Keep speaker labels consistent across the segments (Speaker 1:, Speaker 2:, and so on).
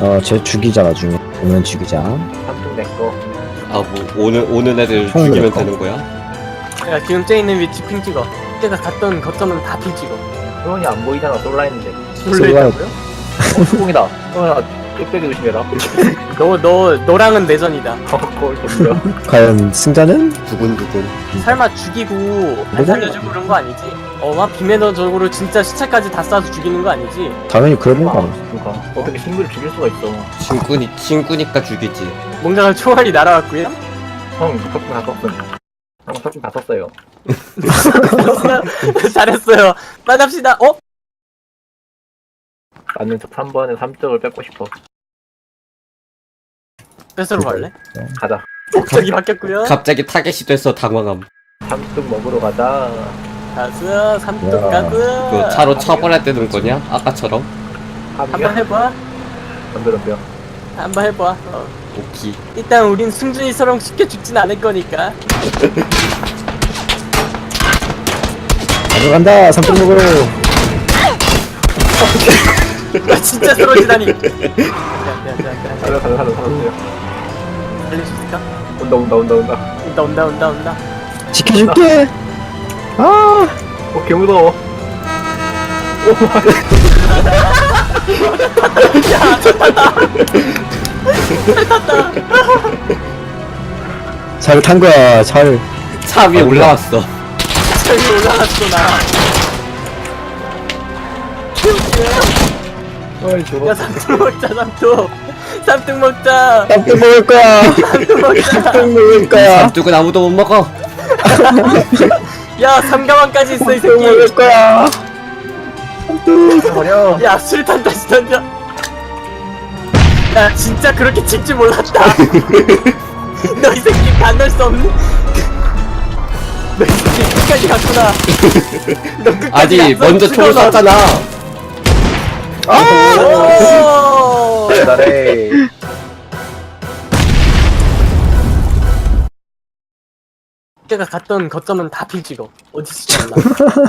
Speaker 1: 쟤 죽이자 나중에. 오면 죽이자.
Speaker 2: 삼뚝 내꺼.
Speaker 3: 아 뭐 오는 애들
Speaker 1: 형이
Speaker 3: 죽이면
Speaker 1: 내 거.
Speaker 3: 되는 거야?
Speaker 4: 야 지금 쟤 있는 위치 핑 찍어. 쟤가 갔던 거점은 다 핑 찍어.
Speaker 2: 소연이 안 보이잖아. 쏠라 했는데.
Speaker 4: 놀래있다고요?
Speaker 2: 수공이다. 소연아 뚝배기 조심해라.
Speaker 4: 너랑은 내전이다.
Speaker 2: 거울 덤벼.
Speaker 1: 과연 승자는?
Speaker 3: 두근두근.
Speaker 4: 설마 죽이고 안
Speaker 1: 뭐가?
Speaker 4: 살려주고 그런 거 아니지? 막 비매너적으로 진짜 시체까지 다 쏴서 죽이는 거 아니지?
Speaker 1: 당연히 그런 거 아니야.
Speaker 2: 그러니까 어떻게 친구를 죽일 수가 있어.
Speaker 3: 친구니까 죽이지.
Speaker 4: 뭔가 총알이 날아왔고요.
Speaker 2: 형 석궁 다 썼음. 형 석궁 다 썼어요.
Speaker 4: 잘했어요. 만납시다.
Speaker 2: 나는 저 3번에 3점을 뺏고 싶어.
Speaker 4: 뺏으러 갈래?
Speaker 2: 가자.
Speaker 4: 목적이 바뀌었고요.
Speaker 3: 갑자기 타겟이 돼서 당황함.
Speaker 2: 3뚝 먹으러 가자.
Speaker 4: 가스, 삼뚝
Speaker 1: 야.
Speaker 4: 가스.
Speaker 3: 그 차로 쳐버려야 되는 거냐? 아까처럼?
Speaker 4: 한번 해봐.
Speaker 2: 덤벼.
Speaker 4: 한번 해봐.
Speaker 3: 오키.
Speaker 4: 일단 우린 승준이처럼 쉽게 죽진 않을 거니까.
Speaker 1: 가져간다. 삼뚝 먹으러.
Speaker 4: 진짜 쓰러지다니. 미안.
Speaker 2: 살았어요.
Speaker 4: 살릴 수 있을까?
Speaker 2: 온다.
Speaker 1: 지켜줄게. 아.
Speaker 2: 개 무서워.
Speaker 1: 잘 탄 거야. 잘.
Speaker 3: 차 위에 올라왔어.
Speaker 4: 저기 올라왔어 나.
Speaker 2: 어이 저거.
Speaker 4: 야 삼뚝 먹자 삼뚝. 삼뚝 먹자.
Speaker 1: 삼뚝 먹을 거야.
Speaker 4: 삼뚝 먹자.
Speaker 1: 삼뚝 먹을 거야.
Speaker 3: 삼뚝은 아무도 못 먹어.
Speaker 4: 야 삼가방까지 있어 이
Speaker 1: 삼뚝 먹을
Speaker 4: 새끼.
Speaker 1: 거야.
Speaker 2: 버려.
Speaker 4: 야 수류탄 다시 던져. 야 진짜 그렇게 칠 줄 몰랐다. 너 이 새끼 반할 수 없는. 너 이 새끼 끝까지 갔구나. 너 끝까지
Speaker 3: 아니
Speaker 4: 갔어.
Speaker 3: 먼저 총을
Speaker 4: 죽어, 너.
Speaker 3: 쐈잖아.
Speaker 4: 오!
Speaker 2: 잘해.
Speaker 4: 제가 갔던 거점은 다 핑 찍어. 어디서 쳤나?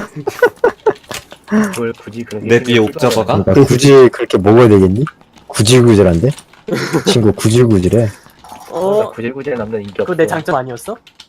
Speaker 2: 그걸 굳이 그렇게.
Speaker 3: 내 뒤에 옥저버가?
Speaker 1: 그러니까 굳이 그렇게 먹어야 되겠니? 구질구질한데? 친구 구질구질해.
Speaker 4: 어?
Speaker 2: 구질구질 남자는 인기 없어.
Speaker 4: 그거 내 장점 아니었어?